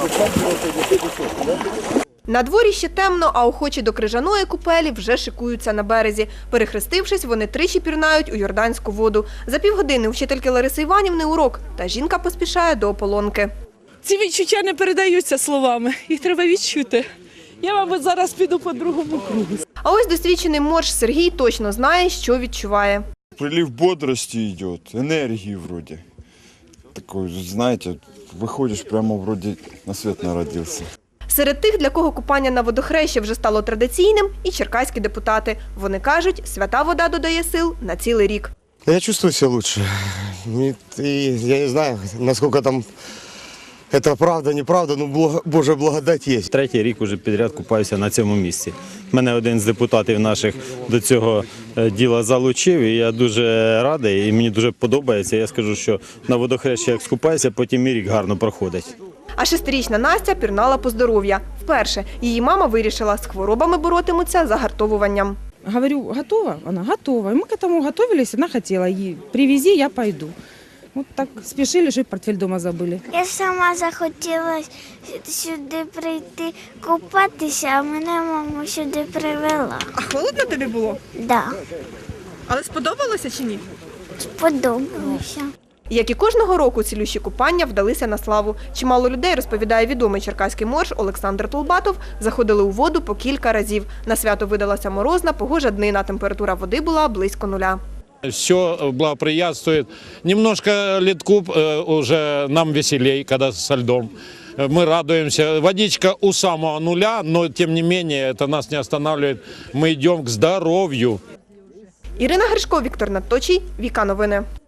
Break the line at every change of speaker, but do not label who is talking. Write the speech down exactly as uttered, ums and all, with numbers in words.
На дворі ще темно, а охочі до крижаної купелі вже шикуються на березі. Перехрестившись, вони тричі пірнають у йорданську воду. За півгодини у вчительки Лариси Іванівни урок, та жінка поспішає до ополонки.
Ці відчуття не передаються словами, їх треба відчути. Я, мабуть, зараз піду по другому кругу.
А ось досвідчений морж Сергій точно знає, що відчуває.
Прилив бодрости идет, энергии вроде. Такой, знаете, выходишь прямо вроде на свет народился.
Серед тих, для кого купання на водохрещі вже стало традиційним, і черкаські депутати. Вони кажуть, свята вода додає сил на цілий рік.
Я чувствую себя лучше. И, и я не знаю, насколько там это правда, неправда, но благо, Божья благодать есть.
Третій рік уже підряд купаюся на цьому місці. Мене один з депутатів наших до цього діла залучив, і я дуже радий, і мені дуже подобається. Я скажу, що на водохрещі як скупаюся, потім і рік гарно проходить.
А шестирічна Настя пірнала по здоров'я. Вперше її мама вирішила, з хворобами боротимуться загартовуванням.
Говорю, готова? Она готова. И мы к этому готовились, она хотела. И привези, я пойду. Вот так спешили, что и портфель дома забыли.
Я сама захотіла сюди прийти купатися, а мене мама сюди привела.
А холодно тобі було?
Да,
Але сподобалося чи ні?
сподобалося.
Як і кожного року, цілющі купання вдалися на славу. Чимало людей, розповідає відомий черкаський морж Олександр Толбатов, заходили у воду по кілька разів. На свято видалася морозна, погожа днина, температура води була близько нуля.
Все благоприятствует. Немножко ледку уже нам веселей, когда со льдом. Мы радуемся. Водичка у самого нуля, но тем не менее это нас не останавливает. Мы идем к здоровью.
Ірина Гришко, Віктор Надточій, Віка Новини.